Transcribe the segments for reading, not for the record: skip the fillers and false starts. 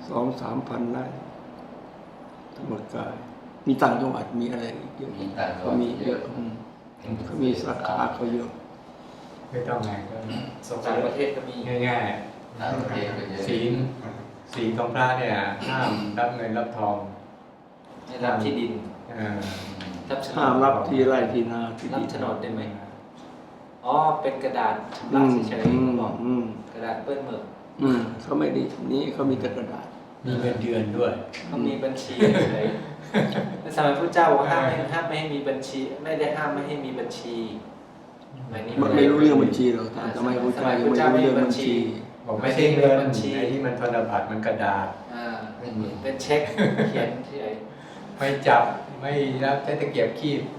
2-3 พันไร่ธรรมกายมีต่างจังหวัดมีอะไรเยอะเขามีเยอะเขามีสาขาเขาเยอะไม่ต้องไงก็ต่างประเทศก็มีง่ายๆศีลของพระเนี่ยห้ามรับเงินรับทองไม่รับที่ดินห้ามรับที่ไร่ที่นาที่รับโฉนดได้ไหมอ๋อเป็นกระดาษชำระเฉยๆบอกกระดาษเปื้อนหมึกเขาไม่ดีนี่เขามีแต่กระดาษมีเงินเดือนด้วยเขามีบัญชีเฉยในสมัยพระเจ้าห้ามไม่ให้มีบัญชีไม่ได้ห้ามไม่ให้มีบัญชีมันไม่รู้เรื่องบัญชีหรอกแต่ทำไมพระเจ้ายังไม่รู้เรื่องบัญชีบอกไม่ใช่เงินบัญชีไอ้ที่มันธนบัตรมันกระดาษเป็นเช็คเขียนที่ไหนไม่จับไม่รับใช้ตะเกียบคีบ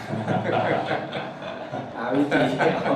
หาวิธี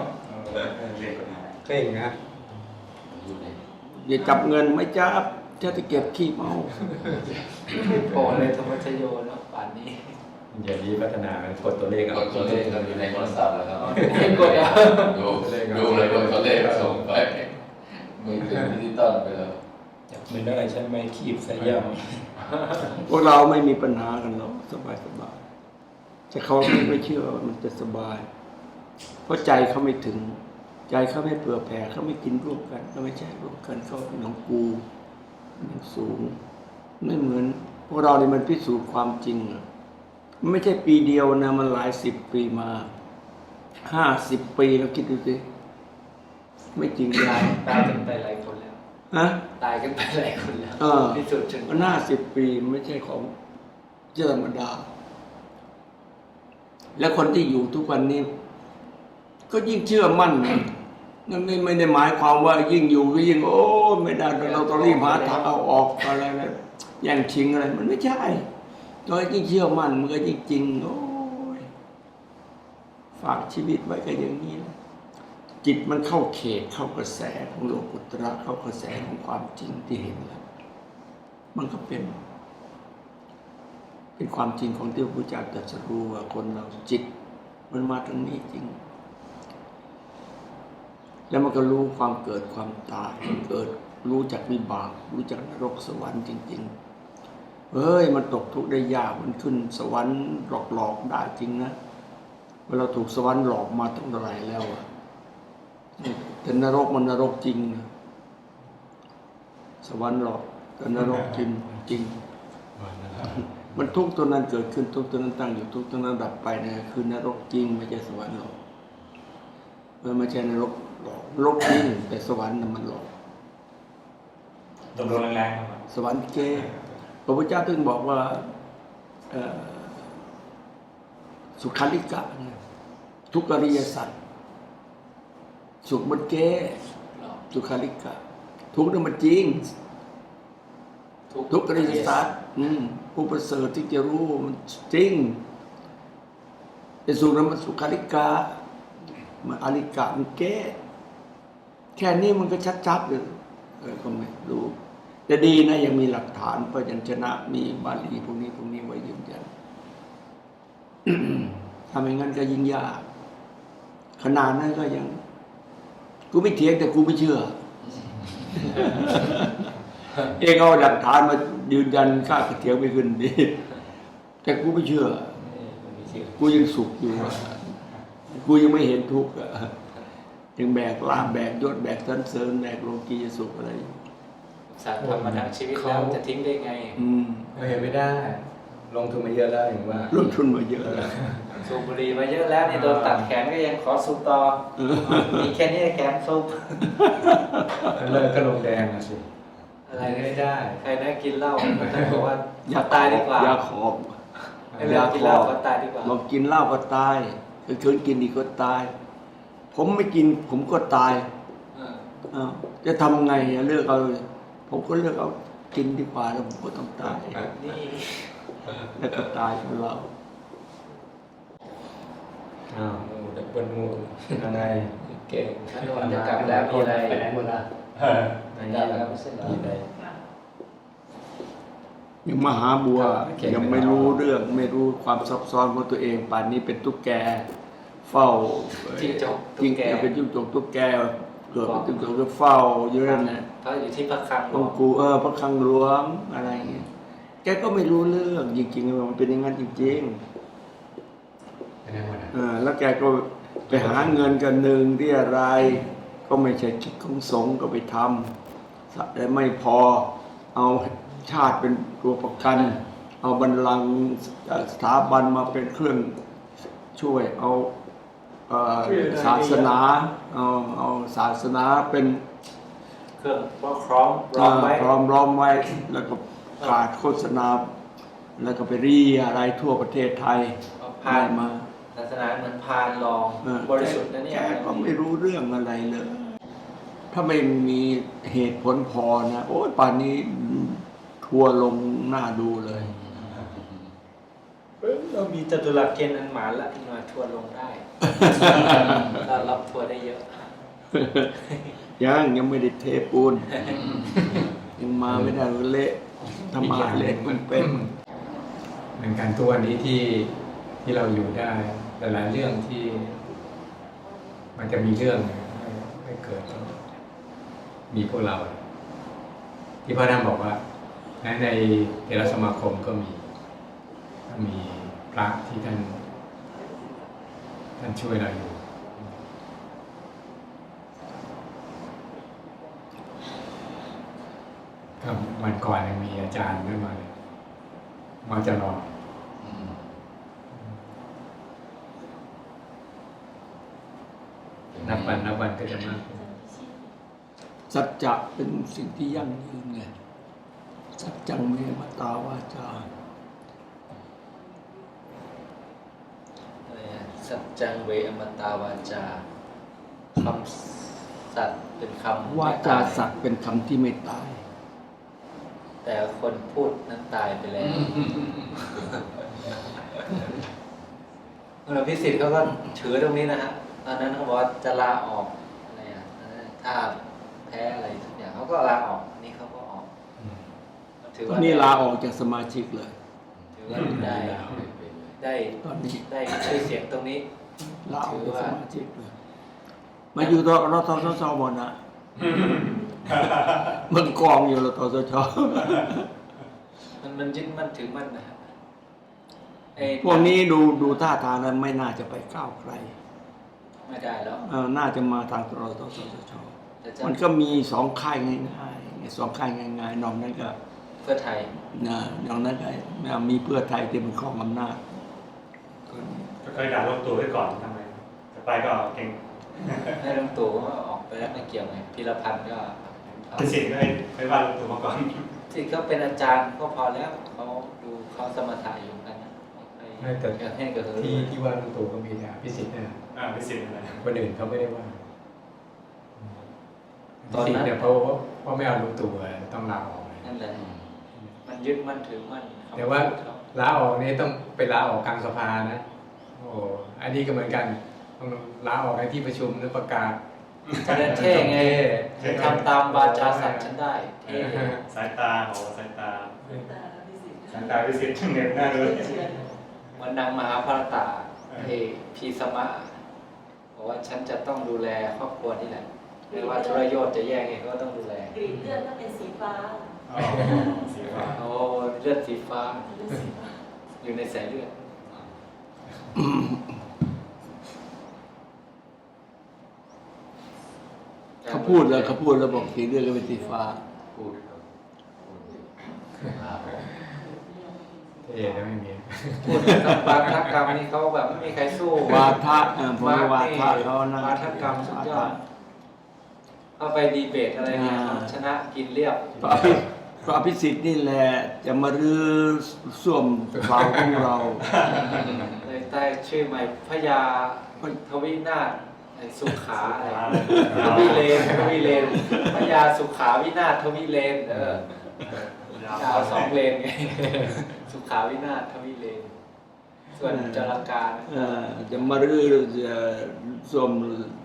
เก่งนะอย่าจับเงินไม่จับจะเก็บขี้เมาไม่พอเลยธรรมชโยเนาะป่านนี้อย่างนี้พัฒนามันกดตัวเลขกดตัวเลขเราอยู่ในโทรศัพท์แล้วครับกดเอาดูเลยกดตัวเลขส่งไปมือถือดิจิตอลไปแล้วจับไม่ได้ใช่ไหมคีบใส่ย่พวกเราไม่มีปัญหากันหรอกสบายแต่เขาไม่เชื่อว่ามันจะสบายเพราะใจเขาไม่ถึงใจเขาไม่เผื่อแผ่เขาไม่กินร่วมกันเขาไม่แชร์ร่วมกันเขาเป็นของกูมันสูงไม่เหมือนพวกเราเนี่ยมันพิสูจน์ความจริงมันไม่ใช่ปีเดียวนะมันหลาย10 ปีมา50 ปีเราคิดดูสิไม่จริงตายกันไปหลายคนแล้วตายกันไปหลายคนแล้วพิสูจน์จนมัน50 ปีไม่ใช่ของธรรมดาและคนที่อยู่ทุกวันนี้ก็ยิ่งเชื่อมั่นนั่นไม่ได้หมายความว่ายิ่งอยู่ก็ยิ่งโอ้ไม่ได้เราต้องรีบหาทางเอาออกอะไรนะแย่งชิงอะไรมันไม่ใช่ตอนยิ่งเชื่อมั่นมันก็ยิ่งจริงโอ้ยฝากชีวิตไว้ก็อย่างนี้นะจิตมันเข้าเขตเข้ากระแสของโลกุตระเข้ากระแสของความจริงที่เห็นแล้วมันก็เป็นความจริงของที่พระพุทธเจ้าตรัสรู้ว่าคนเราจิตมันมาตรงนี้จริงแล้วมันก็รู้ความเกิดความตายเกิดรู้จักวิบากรู้จักนรกสวรรค์จริงๆเฮ้ยมันตกทุกข์ได้ยากมันขึ้นสวรรค์หลอกได้จริงนะเวลาถูกสวรรค์หลอกมาตั้งเท่าไหร่แล้วแต่นรกมันนรกจริงนะสวรรค์หลอกแต่นรกจริงมันทุกข์ตัวนั้นเกิดขึ้นทุกข์ตัวนั้นตั้งอยู่ทุกข์ตัวนั้นดับไปนะคือนรกจริงไม่ใช่สวรรค์หลอกไม่ใช่นรกหลอกนรกจริงแต่สวรรค์มันหลอกตกลงแรงๆครับสวรรค์เก้พระพุทธเจ้าถึงบอกว่าสุขาริกะทุกอริยสัจสุขมันเก้สุขาริกะทุกข์นั้นมันจริงทุกอริยสัจผู้ประเสริฐที่จะรู้มันจริงแต่สุขนั้นมันสุขาริกะมันอริกะมันแก้แค่นี้มันก็ชัดๆเลยก็ไม่รู้แต่ดีนะยังมีหลักฐานพยัญชนะมีบาลีพวกนี้ไว้ยืนยันทำอย่างนั้นก็ยิ่งยากขนาดนั้นก็ยังกูไม่เถียงแต่กูไม่เชื่อเองเอาหลักฐานมายืนยันข้าเถียงไม่ขึ้นดีแต่กูไม่เชื่อกูยังสุขอยู่กูยังไม่เห็นทุกข์ยังแบกลาภแบกยศแบกสรรเสริญแบกโลกียสุขอะไรสารธรรมดาชีวิตแล้วจะทิ้งได้ไงเห็นไม่ได้ลงทุนมาเยอะแล้วอย่างว่าลงทุนมาเยอะแล้วสูบบุหรี่มาเยอะแล้วนี่โดนตัดแขนก็ยังขอสูบต่อมีแค่นี้แขนสูบเลิกก็ลงแดงนะสิอะไรไม่ได้ใครได้กินเหล้าก็จะบอกว่าอย่าตายดีกว่ายาขอบยากินเหล้าก็ตายดีกว่าเรากินเหล้าก็ตายคืนกินดีก็ตายผมไม่กินผมก็ตายจะทำไงเลือกเอาผมก็เลือกเอากินดีกว่าแล้วผมก็ต้องตายนี่แล้วก็ตายของเราดับเบิลงูอะไรเก่งถ้าโดนจะกลับแล้วมีอะไรไปไหนหมดล่ะได้แล้วครับเส้นมีอะไรยังมหาบัวยังไม่รู้เรื่องไม่รู้ความซับซ้อนของตัวเองป่านนี้เป็นตุ๊กแกเฝ้าจิ้งจกเป็นจิ้งจกตุ๊กแกเกิดเป็นตัวก็เฝ้าอยู่นั่นแหละเขาอยู่ที่พระคลังหลอวงงค์กูพระคลังหลวงอะไรเงี้ยแกก็ไม่รู้เรื่องจริงๆมันเป็นอย่างนั้นจริงไม่ได้หมดนะๆแล้วแกก็ไปหาเงินกันหนึ่งที่อะไร ก็ไม่ใช่กิจของสงฆ์ก็ไปทำแต่ไม่พอเอาชาติเป็นตัวประกัน เอาบัลลังก์สถาบันมาเป็นเครื่องช่วยเอาศาสนาเอาศาสนาเป็นเครื่องคล้องร้องไว้พร้อมล้อมไว้แล้วก็ประกาศโฆษณาแล้วก็ไปรีอะไรทั่วประเทศไทยพานได้มาศาสนาเหมือนพานรองเออบริสุทธิ์นะเนี่ยแกก็ไม่รู้เรื่องอะไรเลย ถ้าไม่มีเหตุผลพอนะโอ้ยป่านนี้ทัวร์ลงหน้าดูเลยเรามีจตุรัสเกณฑ์อันหมานละมาทัวร์ลงได้ เรารับทัวร์ได้เยอะยังไม่ได้เทปูน ยังมาไม่ได้เละธรรมะเละมันเป็นเหมือนกันตัวนี้ที่เราอยู่ได้แต่หลายเรื่องที่ มันจะมีเรื่องไม่เกิดมีพวกเรา ที่พระท่านบอกว่าในเถรสมาคมก็มีพระที่ท่านช่วยเราอยู่ก็วันก่อนยังมีอาจารย์ไม่มาเลยมาจะรอ นับวันก็จะมากขึ้นสัจจะเป็นสิ่งที่ยั่งยืนไงสัจจังเมมตาวาจาอะไรนะสัจจังเวอมตาวาจาคำสัตย์เป็นคำวาจาสัตว์เป็นคำที่ไม่ตายแต่คนพูดนั้นตายไปแล้วพิสิทธิ์เขาก็ถือตรงนี้นะฮะตอนนั้นเขาบอกว่าจะลาออกอะไรอ่ะถ้าแพ้อะไรทุกอย่างเขาก็ลาออกนี่เขาก็ออกถือตอว่านนี้ลาออกจากสมาชิกเลยถือว่าได้ตอนนี้ได้ชื่อเสียงตรงนี้ลาออกจากสมาชิกเลยมาอยู่รทสชหมดนะมันกองอยู่รทสชมันยึดมั่นถือมั่นนะฮะไอ้พวกนี้ดูท่าทางแล้วไม่น่าจะไปก้าวไกลไม่ได้แล้วน่าจะมาทางรทสชแต่จะมันก็มีสองค่ายง่ายๆสองค่ายง่ายๆนอกนั้นก็เพื่อไทยนอกนั้นก็มีเพื่อไทยที่เป็นข้องอำนาจก็เคยด่าลงตัวไว้ก่อนทำไมจะไปก็เก่งให้ลุงตู่ก็ออกไปแล้วไม่เกี่ยวไงพีรพันธ์ก็เป็นสิ่งที่ไม่ว่าลงตัวมาก่อนที่เขาเป็นอาจารย์ก็พอแล้วเขาดูเขาสมถะอยู่กันนะไม่แต่อยากให้กับเธอที่ว่าลุงตู่ก็มีนะพิสิทธิ์เนี่ยเป็นสิ่งอะไรคนอื่นเขาไม่ได้ว่าพิสิทธิ์เนี่ยเพราะไม่เอาลุงตู่ต้องลาออกเลยนั่นแหละมันยึดมั่นถือมั่นแต่ว่าลาออกนี่ต้องไปลาออกกลางสภานะโอ้อันนี้ก็เหมือนกันต้องลาออกในที่ประชุมหรือประกาศจะได้เท่ไงทำตามวาจาสัตว์ฉันได้เท่สายตาโอ้สายตาวิสิตเน็ตหน้าเลยเหมันนางมหาภารตาพีสมะบอกว่าฉันจะต้องดูแลครอบครัวนี่แหละไม่ว่าธุรโยชน์จะแยกไงก็ต้องดูแลกรีดเลือดก็เป็นสีฟ้าสีฟ้าโอ้เลือดสีฟ้าเลือดสีฟ้าอยู่ในสายเลือดเขาพูดแล้วบอกสีเลือดก็เป็นสีฟ้าพูดครับเท่แล้วไม่มีพูดกับบาทกรรมนี่เขาแบบไม่มีใครสู้วาทะผมว่าวาทะเขานะวาทกรรมสุดยอดเข้าไปดีเบตอะไรเนี่ยชนะกินเรียบพระอภิสิทธิ์นี่แหละจะมารื้อส้วมเปล่าของเราเลยใต้ชื่อใหม่พญาทวินาถไอ้สุขาอะไรทวิเลนพญาสุขาวินาถทวิเลนยาว2 เลนไงสุขาวินาถทวิเลนส่วนจราการจะมารื้อส้วม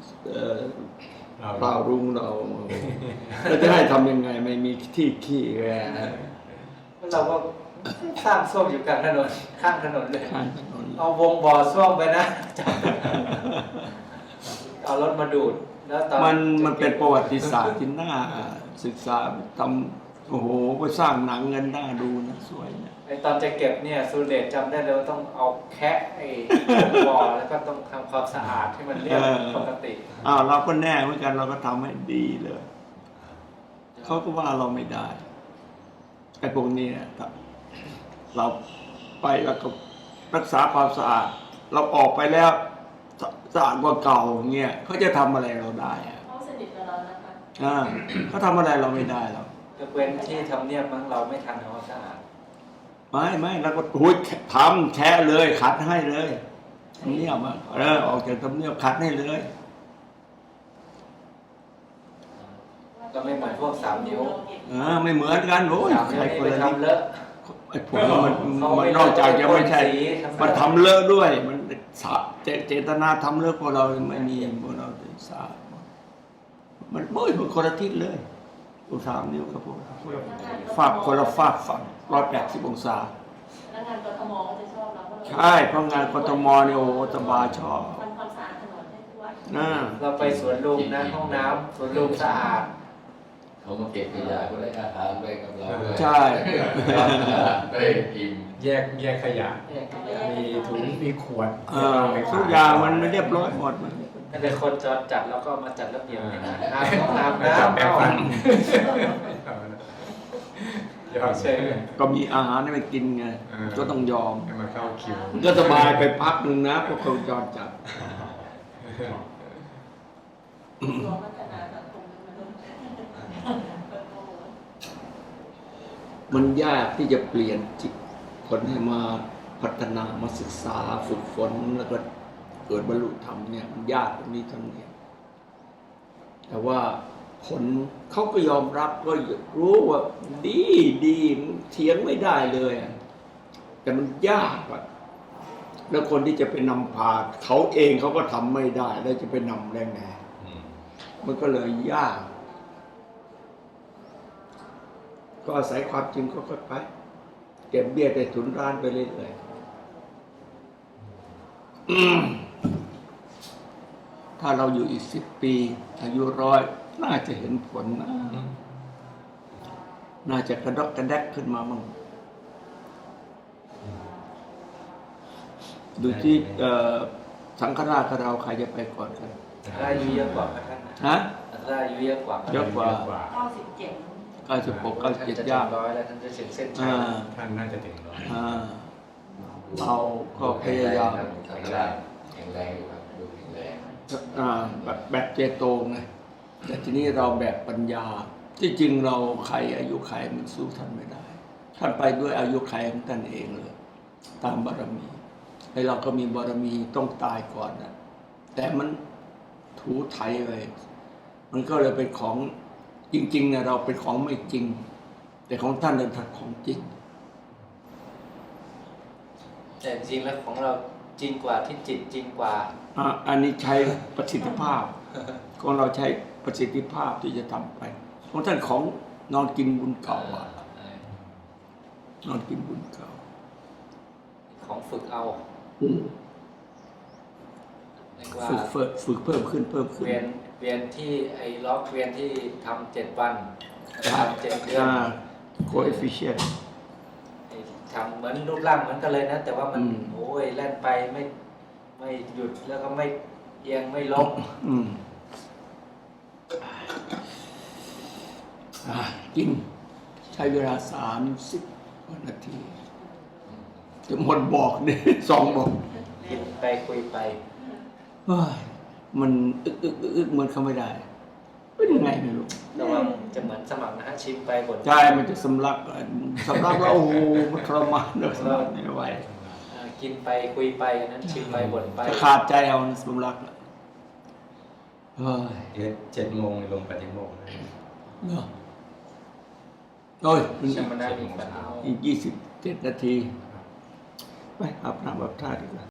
เปล่ารุงเราเราจะให้ทำยังไงไม่มีที่ขี้แกเราก็สร้างส้วมอยู่กลางถนนข้างถนนเลยข้างถนนเอาวงบ่อส้วมไปนะ เอาเอารถมาดูดแล้วตอนมันเป็นประวัติศาสตร์ที่น่าศึกษาทำโอ้โหไปสร้างหนังเงินน่าดูนะสวยนะไอตอนจะเก็บเนี่ยสุรเดชจำได้เลยว่าต้องเอาแคะไอ้บ่อแล้วก็ต้องทำความสะอาดให้มันเรียบปกติเราก็แน่เหมือนกันเราก็ทำให้ดีเลยเขาก็ว่าเราไม่ได้ไอ้พวกนี้เนี่ยเราไปแล้วก็รักษาความสะอาด เราออกไปแล้วสะอาดกว่าเก่าเงี้ยเขาจะทำอะไรเราได้อะเขาสนิทกับเรานะคะเขาทำอะไรเราไม่ได้หรอกยกเว้นที่ทำเนียบมั้งเราไม่ทันทำความสะอาดไม่แล้วก็หุยทำแช่เลยขัดให้เลยทำเนียบอ่ะออกจากทำเนียบขัดให้เลยก็ไม่เหมือนพวก3 นิ้วไม่เหมือนกันโอ้ย 3 ใครนิ้วคนนี่ไปละนิดทำเลอะไอ้พวกนั้นมันนอกจากจะไม่ใช่ มันทำเลอะด้วย มันเจตนาทำเลอะพวกเราไม่มีพวกเราสามันโอ้ยมันคนละทิศเลย3 นิ้วครับพวกเราฝากคนละฝากฝั่ง180 องศาพนักงานกทมก็จะชอบเราใช่เพราะงานกทมเนี่ยโอ้สบายชอบทำความสะอาดถนนให้ทุกวันเราไปสวนลุมนะห้องน้ำสวนลุมสะอาดเขามาเก็บขยะก็ได้อาหารไปกับเราด้วยใช่ได้อิ่มแยกขยะ มีถุงมีขวดทุกอย่างมันไม่เรียบร้อยหมดมันถ้าเป็นคนจอดจัดแล้วก็มาจัดระเบียบให้นะห้องน้ำจับแปรงฟันยอดเชยก็มีอาหารให้มันกินไง ก็ต้องยอมให้มาเข้าคิวมันก็สบายไปพักหนึ่งนะพวกคนจอดจัดรวมพัฒนาสังคมมนุษย์มันยากที่จะเปลี่ยนจิตคนให้มาพัฒนามาศึกษาฝึกฝนแล้วก็เกิดบรรลุธรรมเนี่ยมันยากตรงนี้เท่านี้แต่ว่าผลเขาก็ยอมรับก็รู้ว่าดีเถียงไม่ได้เลยอะแต่มันยากอะแล้วคนที่จะไปนำพาเขาเองเขาก็ทำไม่ได้แล้วจะไปนำได้ไงมันก็เลยยาก ก็อาศัยความจริงก็ค่อยไปเก็บเบี้ยแต่ถุนร้านไปเรื่อยๆถ้าเราอยู่อีก10 ปีอายุ100น่าจะเห็นผลนะน่าจะกระดกกระแดกขึ้นมามั่งดูที่สังฆราชกับเราใครจะไปก่อนกันได้อายุเยอะกว่าพระท่านฮะได้อายุเยอะกว่าเยอะกว่า 97 96 ท่านจะ 97 ถึย่าง ง 100แล้วท่านจะถึงเส้นชัยท่านน่าจะถึงร้อยเราก็พยายามแข็งแรงแข็งแรงอยู่ครับดูแข็งแรงแบบเจโตไงแต่ทีนี้เราแบบปัญญา ที่จริงเราใครอายุใครมันสู้ท่านไม่ได้ ท่านไปด้วยอายุใครของท่านเองเลยตามบารมีไอ้เราก็มีบารมีต้องตายก่อนนะแต่มันถูไถไปมันก็เลยเป็นของจริงๆเนี่ยเราเป็นของไม่จริง แต่ของท่านเป็นของจริงแต่จริงแล้วของเราจริงกว่าที่จิตจริงกว่าอันนี้ใช้ประสิทธิภาพ ของเราใช้ประสิทธิภาพที่จะทำไปของท่านของนอนกินบุญเก่าอะนอนกินบุญเก่าของฝึกเอาเรียกว่าฝึกเพิ่มขึ้นเวียนที่ไอ้ล็อกเวียนที่ทำ7 วันทำ7 เดือน coefficient ทำเหมือนรูปร่างเหมือนกันเลยนะ แต่ว่ามันอืมโอ้ยแล่นไปไม่หยุดแล้วก็ไม่เอียงไม่ล้มกินใช้เวลา30 นาทีจะหมดบอกเนี่ย2 บอกคิดไปคุยไปเฮ้ยมันอึกเหมือนเขาไม่ได้เป็นยังไงไม่รู้แต่ว่าจะเหมือนสมัครนะฮะชิมไปบ่นใจมันจะสำลักแล้วโอ้โหมันทรมานเลยสำลักไม่ไหวกินไปคุยไปอันนั้นชิมไปบ่นไปจะขาดใจเอาสำลักเฮ้ยเดี๋ยว7 โมงลงปฏิโมกข์นะเนาะโอ้ยชมนามีปัญหาอีก27 นาที ไปอาบน้ำอาบท่าดีกว่า